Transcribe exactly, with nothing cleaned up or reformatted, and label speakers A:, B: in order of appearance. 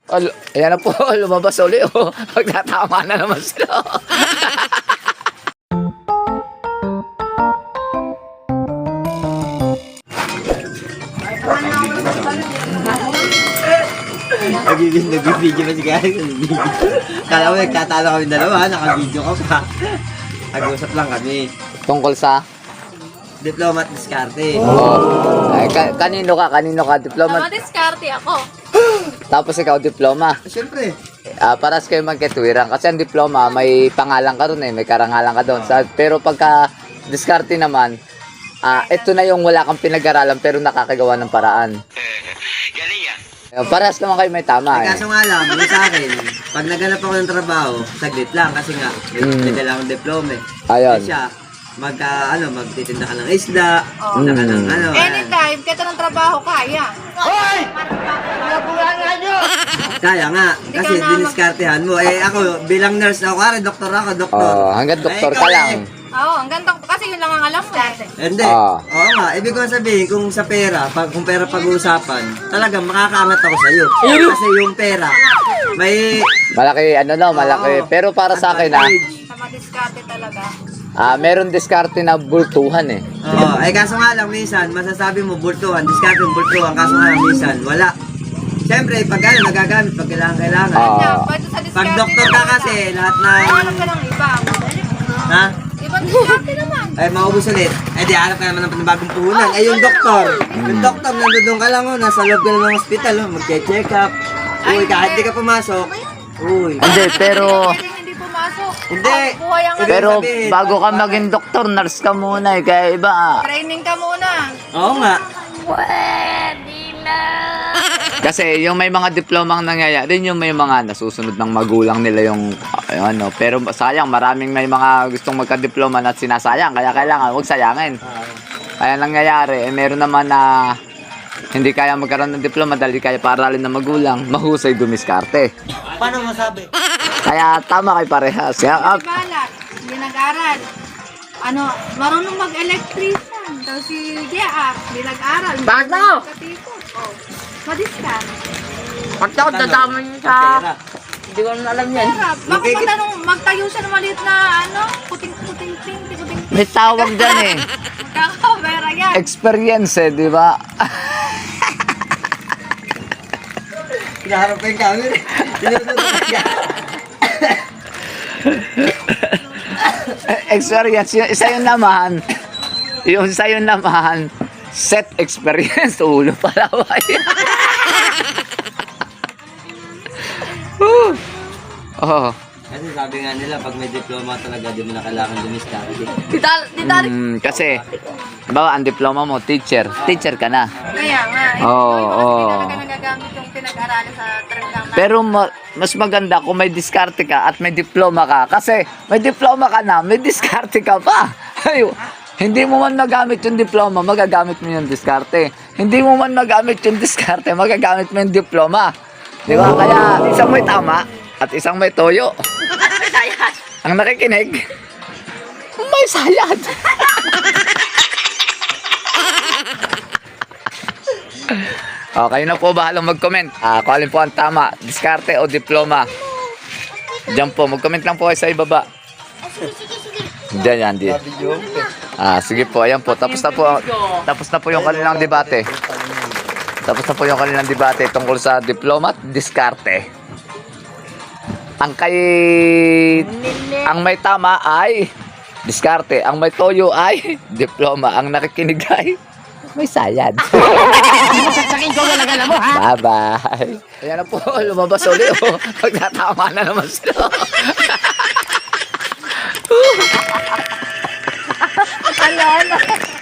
A: Oh, lu- ayan na po, lumabas uli. Oh. Magtatama na naman sila.
B: Nagiging nag-video pa si Gary. Nag-video. Kala mo nagtatalo kami dalawa, naka-video ka pa. Nag-usap lang kami.
A: Tungkol sa...
B: Diploma at diskarte.
A: Oh. Ay, ka- kanino ka? Kanino ka? Diploma?
C: Mga diskarte ako.
A: Tapos ikaw, diploma.
B: Siyempre.
A: Ah, paras kayo magkatwiran. Kasi ang diploma, may pangalan ka ron eh. May karangalan ka doon. Sa, pero pagka diskarte naman, ah, ito na yung wala kang pinag-aralan pero nakakagawa ng paraan.
B: Galing yan.
A: Eh, Paras naman kayo may tama eh.
B: Kaso nga lang, yung sa akin, pag naganap ako ng trabaho, saglit lang kasi nga, may,
A: Mm.
B: may dala akong diploma eh.
A: Ayun.
B: Kasi siya, magka, ano, magtitinda ka ng isda,
C: Oh.
B: tinda ka ng
A: Mm.
B: ano.
C: Anytime, kahit anong trabaho, kaya.
B: Kaya nga,
C: Hindi
B: kasi
C: ka na
B: diniskartehan mo. Eh ako, bilang nurse na ako, kare, doktor ako, doktor.
A: Oh, hanggang doktor
B: Eh,
A: ka
B: ikaw
A: lang.
B: eh.
C: Oo, ang ganda ko. Kasi yun lang ang alam mo. eh.
B: Hindi.
A: Ah.
B: Oo nga, ibig ko sabihin, kung sa pera, pag, kung pera pag-uusapan, talagang makakaangat ako sa'yo. Kasi yung pera, may...
A: Malaki ano no, malaki.
B: Oo.
A: Pero para sa akin ah,
C: Sa mga diskarte talaga.
A: ah meron diskarte na bultuhan eh.
B: Oo, ay kaso nga lang minsan, masasabi mo bultuhan, diskarte yung bultuhan, kaso nga lang minsan, wala. Siyempre, pag ano, nagagamit, pag kailangan, kailangan.
A: Ah.
C: Kaya, pwede sa diskarte.
B: Pag doktor ka
C: talaga.
B: kasi, lahat na...
C: Hanap ka ng iba.
B: Ha?
C: Ibang diskarte naman.
B: Ay, maubos ulit. Eh, di hanap ka naman ng panibagong puhunan. Eh, yung doktor. Yung doktor, nandun ka lang, oh, nasa loob ka lang ng hospital, oh, mag-check up. Uy, kahit di ka pumasok. Uy.
A: Hindi, pero
C: Pwede hindi pumasok.
B: Hindi.
C: Oh, buhay ang
B: Ibig
A: pero
B: sabihin,
A: bago ka maging doktor, nurse ka muna eh. Kaya iba ah.
C: Training ka muna.
B: Oo nga.
A: Kasi yung may mga diplomang nangyayari, yung may mga nasusunod ng magulang nila yung uh, ano. Pero sayang, maraming may mga gustong magka-diploma na sinasayang. Kaya kailangan huwag sayangin. Kaya nangyayari, eh, meron naman na hindi kaya magkaroon ng diploma dahil di kaya paaralin ng magulang, mahusay dumiskarte.
B: Paano masabi?
A: Kaya tama kay parehas. Kaya, ah,
C: Si Balat, hindi nag-aral. Ano, marunong mag-electrician. Tapos si Gia, hindi nag-aral.
D: Bakit daw?
C: Katikot. Oh, madiskan.
D: Pagka ako dadamay niyo sa...
B: Pera.
D: Hindi ko na alam yan.
C: Sarap. Baka
B: Magkikit-
C: matanong, magtayo siya ng maliit na ano, puting-puting-ting, puting-ting.
A: may tawag dyan eh.
C: Kakabera yan.
A: Experience eh, di ba?
B: Hinaharap pa yung camera. Sinusunod ka.
A: Experience. Yung isa yun naman, yung isa yun naman, set experience. Ulo pala ba yan? Whew. Oh.
B: Kasi sabi nga nila, pag may diploma talaga, di mo na kailangan dumiskarte.
D: Tita, tita,
A: Mm, kasi, bawa ang diploma mo, teacher. Teacher ka na.
C: Kaya nga. Eh,
A: Oo,
C: oh,
A: oo.
C: Hindi talaga nagagamit yung pinag-aralan sa talagang na.
A: Pero ma- mas maganda kung may diskarte ka at may diploma ka. Kasi may diploma ka na, may diskarte ka pa. Ay, hindi mo man magamit yung diploma, magagamit mo yung diskarte. Hindi mo man magamit yung diskarte, magagamit mo yung diploma. Di ba? Kaya isang may tama at isang may toyo. Ang nakikinig, may sayad. O, kayo na po bahalang mag-comment. Ah, kung alin po ang tama, diskarte o diploma. Diyan po, mag-comment lang po kayo sa ibaba. Diyan yan, di. Ah, sige po, ayan po. Tapos na po, tapos na po yung kanilang debate. Tapos na po yung kanilang debate tungkol sa diploma at diskarte. Ang kay... Ang may tama ay diskarte. Ang may toyo ay diploma. Ang nakikinig ay may sayad.
D: sasakin ko talaga na mo, ha?
A: Bye-bye. Ayan na po, lumabas ulit. Oh. Magtatama na naman sila.
C: Ala, ala.